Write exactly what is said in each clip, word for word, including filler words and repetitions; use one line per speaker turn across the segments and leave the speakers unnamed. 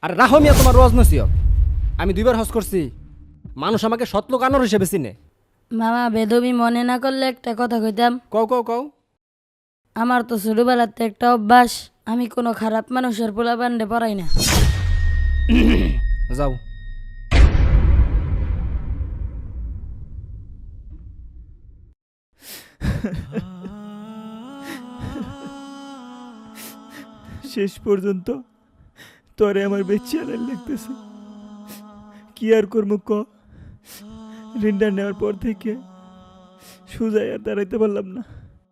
আর রাহো মিয়া তোমার রোজ নসিহত। আমি দুইবার হজ করছি, মানুষ আমাকে সৎলোক আনোর হিসেবে চিনে।
মামা বেদবি মনে না করলে একটা কথা কইতাম।
কও কও কও।
আমার তো ছোটবেলাতে একটা অভ্যাস, আমি কোনো খারাপ মানুষের পোলা বান্ডে পড়াই না।
যাও।
শেষ পর্যন্ত তোরে আমার বেঁচে আনার লাগতেছে। কি আর করবো ক, ঋণটা নেওয়ার পর থেকে সুজাই আর দাঁড়াইতে পারলাম না।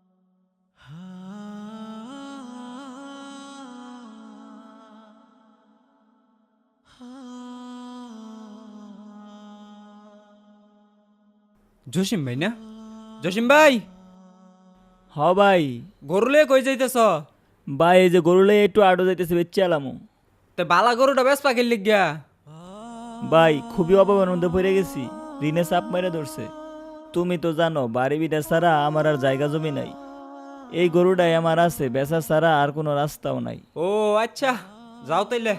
জসিম ভাই না? জসিম ভাই,
হ ভাই।
গরুলে কই যাইতেছ?
ভাই এই যে গরুলে একটু আড়ো যাইতেছে বেচে আলামো।
তে বালা গরুটা বেশ পাখির লিগিয়া।
ভাই খুবই অভাবের মধ্যে পড়ে গেছি, ঋণে চাপ মেরে ধরছে। তুমি তো জানো বাড়ি বিটা ছাড়া আমার আর জায়গা জমি নাই। এই গরুটাই আমার আছে, বেচা ছাড়া আর কোনো রাস্তাও নাই।
ও আচ্ছা, যাও তাইলে।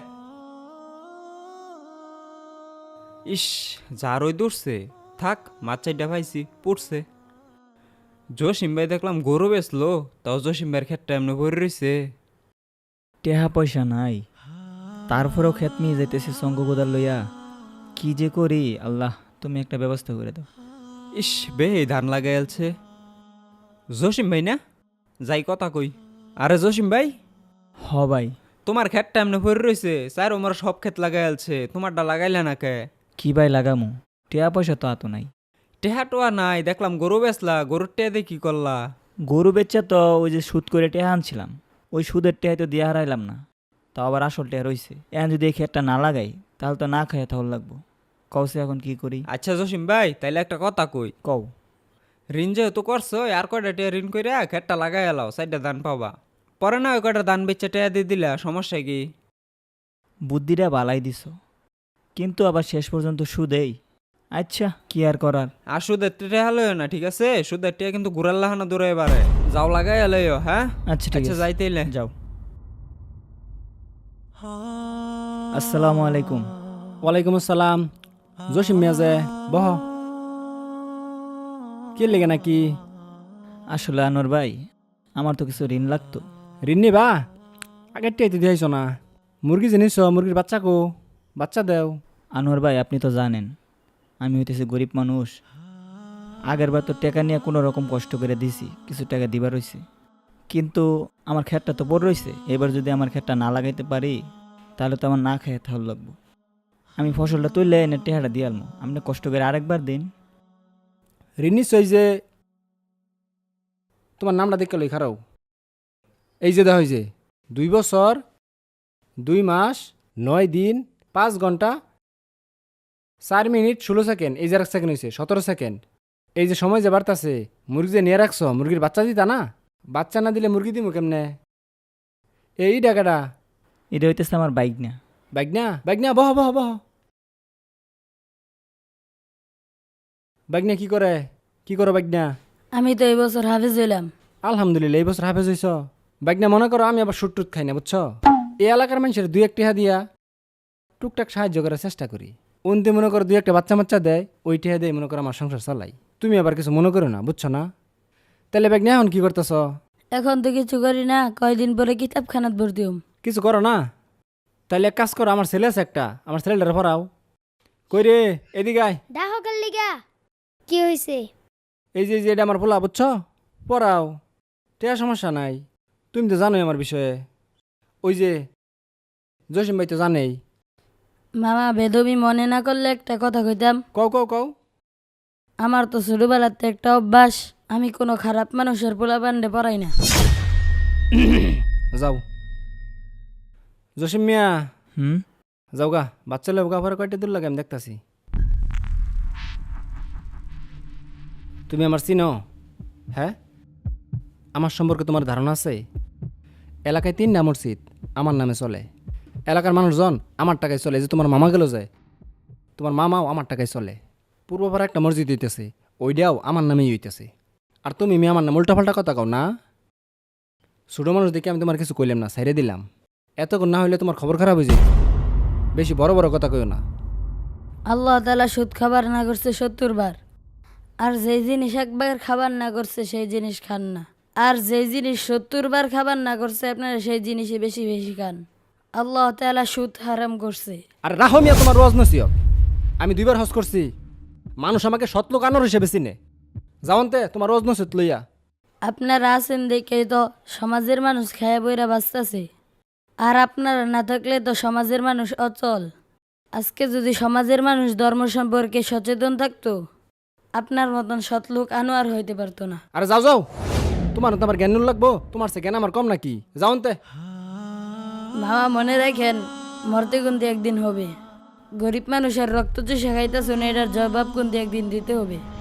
ইস, যা রই দূরছে, থাক মাছ চাইটা পাইছি পড়ছে। জসিম ভাই দেখলাম গরু বেচলো, তাও জসিম ভাইয়ের ক্ষেতটা এমনি ভরে রয়েছে।
টেহা পয়সা নাই, তারপরেও ক্ষেত নিয়ে যাইতেছি শঙ্খ কোদাল লইয়া। কি যে করি, আল্লাহ তুমি একটা ব্যবস্থা করে দাও।
ইস বে, ধান লাগাইলছে। জসিম ভাই না? যাই কথা কই। আরে জসিম ভাই,
হ ভাই।
তোমার ক্ষেতটা এমনি ভরে রয়েছে, স্যার আমার সব ক্ষেত লাগাইলছে, তোমারটা লাগাইলে না কে?
কি ভাই লাগামু, টেহা পয়সা তো আতো নাই।
টেহা টোয়া নাই, দেখলাম গরু বেচলা, গরুর টেহা দিয়ে কি করলা?
গরু বেচা তো ওই যে সুদ করে টেহা আনছিলাম, ওই সুদের টেহাই তো দিয়ে হারাইলাম না, তাও আবার আসল টেহা রইছে। এখন যদি এই ক্ষেতটা না লাগাই তাহলে তো না খাইয়া তাহলে লাগবো। কওছে এখন কি করি?
আচ্ছা জসিম ভাই, তাইলে একটা কথা কই।
কও।
ঋণ যেহেতু করছো, আর কয়টা টেয়া ঋণ কইরা খেতটা লাগাই এলাও, সাইডটা ধান পাবা। পরে না ওই কয়টা ধান বেচে টেয়া দিয়ে দিলা, সমস্যা কি?
বুদ্ধিটা বালাই দিছ, কিন্তু আবার শেষ পর্যন্ত সুদেই। আচ্ছা কি আর করার।
আর সুদের টেয়া লইও না, ঠিক আছে? সুদের টেয়া কিন্তু ঘুরার লাহানা দূরে এবারে যাও, লাগাই এলাইও। হ্যাঁ
আচ্ছা ঠিক
আচ্ছা,
আছে,
যাইতেইলে
যাও। আসসালামু আলাইকুম।
ওয়ালাইকুম আসসালাম। জসিম মিয়া যে, বহ। কি লেগে নাকি?
আসলে আনোয়ার ভাই, আমার তো কিছু ঋণ লাগতো।
ঋণ নিবা? আগের টিয়াইতে দিয়েছ না। মুরগি জিনিস, মুরগির বাচ্চা কো, বাচ্চা দেও।
আনোয়ার ভাই আপনি তো জানেন আমি হইতেছি গরিব মানুষ। আগের বার তো টাকা নিয়ে কোনো রকম কষ্ট করে দিছি, কিছু টাকা দিবার রইছে, কিন্তু আমার ক্ষেতটা তো বড় রয়েছে। এবার যদি আমার ক্ষেতটা না লাগাইতে পারি তাহলে তো আমার না খেয়ে তাহলে লাগবো। আমি ফসলটা তুললে এনে টেহাটা দিয়ে আলমো, আপনি কষ্ট করে আরেকবার দিন।
ঋণ নিশ্চয় যে, তোমার নামটা দেখে লই খারাও। এই যে দেখা যে দুই বছর দুই মাস নয় দিন পাঁচ ঘন্টা চার মিনিট ষোলো সেকেন্ড, এই যে এক সেকেন্ড হয়েছে সতেরো সেকেন্ড। এই যে সময় যে বাড়তাছে, মুরগি যে নিয়ে রাখছ, মুরগির বাচ্চা দিতা না? বাচ্চা না দিলে মুরগি দিমু কেমনে? এই টাকাটা।
এটা হইতেছে আমার বাইক না।
বাইক না, বাইক না, বহ বহ বহ। বাইক না কি করে, কি করো বাইক না?
আমি তো এই বছর হাফেজ হইলাম।
আলহামদুলিল্লাহ, এই বছর হাফেজ হইছ। বাইক না মনে করো আমি আবার সুট টুট খাই না, বুঝছো? এই এলাকার মানুষের দুই একটা টিহা দিয়া টুকটাক সাহায্য করার চেষ্টা করি। উনতে মনে করো দুই একটা বাচ্চা বাচ্চা দেয়, ওই টিহা দেয় মনে করো আমার সংসার চালাই। তুমি আবার কিছু মনে করো না, বুঝছো না? তাহলে বাইক না এখন কি করতেছ?
এখন তো কিছু করি না, কয়দিন পরে কিতাবখানাত ভর্তি হম।
কিছু করো না? তাহলে এক কাজ করো, আমার ছেলে আছে একটা, আমার ছেলেটারে পড়াও। কই রে, এদিকে আয়।
ডাহকার লিগা কি হয়েছে?
এই যে এই যে এটা আমার পোলা, বুঝছো? পড়াও, টিয়া সমস্যা নাই। তুমি তো জানোই আমার বিষয়ে। ওই যে জসিম ভাই তো জানেই।
মামা বেদবি মনে না করলে একটা কথা কইতাম।
কও কও কও।
আমার তো ছোটবেলাতে একটা অভ্যাস, আমি কোনো খারাপ মানুষের পোলা বান্ডে পড়াই না।
যাও জসিম মিয়া,
হুম।
যাও গা, বাচ্চা লোক গা পরে কয়টা দূর লাগে আমি দেখতাছি। তুমি আমার চিনো? হ্যাঁ, আমার সম্পর্কে তোমার ধারণা আছে? এলাকায় তিনটা মসজিদ আমার নামে চলে, এলাকার মানুষজন আমার টাকায় চলে। যে তোমার মামা গেল যায়, তোমার মামাও আমার টাকায় চলে। পূর্বপাড়া একটা মসজিদ হইতেছে, ওইটাও আমার নামেই হইতেছে। আর তুমি মেয়ে আমার নাম উল্টাপাল্টা কথা কও না। ছোটো মানুষ দেখে আমি তোমার কিছু কইলাম না, সাইরে দিলাম। এতক্ষণ না হইলে তোমার খবর খারাপ হয়ে যেত। বেশি বড় বড় কথা কইও না।
আল্লাহ তাআলা সুদ খাবার না করছে সত্তর বার, আর যেই জিনিস একবার খাবার না করছে সেই জিনিস খান না, আর যেই জিনিস সত্তর বার খাবার না করছে আপনারা সেই জিনিসই বেশি বেশি খান। আল্লাহ তাআলা সুদ হারাম করছে।
আর রাহো মিয়া তোমার রোজ নসিহত। আমি দুইবার হজ করছি, মানুষ আমাকে সতলোক আনোর হিসেবে চিনে। যাওনতে তোমার রোজ নসিহত লইয়া।
আপনারা আছেন দেখে তো সমাজের মানুষ খায়া বইরা বাঁচতেছে, আর আপনারা না থাকলে তো সমাজের মানুষ অচল। আজকে যদি সমাজের মানুষ ধর্ম সম্পর্কে সচেতন থাকতো, আপনার মতন সৎলোক আনোয়ার হইতে পারতো না।
আরে যাও যাও, তোমার তো আমার জ্ঞান লাগবো, তোমার সে জ্ঞান আমার কম নাকি? যাওনতে।
মামা মনে রাখেন, মরতে কিন্তু একদিন হবে। গরিব মানুষের রক্ত চুষে খাইতেছ না, এটার জবাব কিন্তু একদিন দিতে হবে।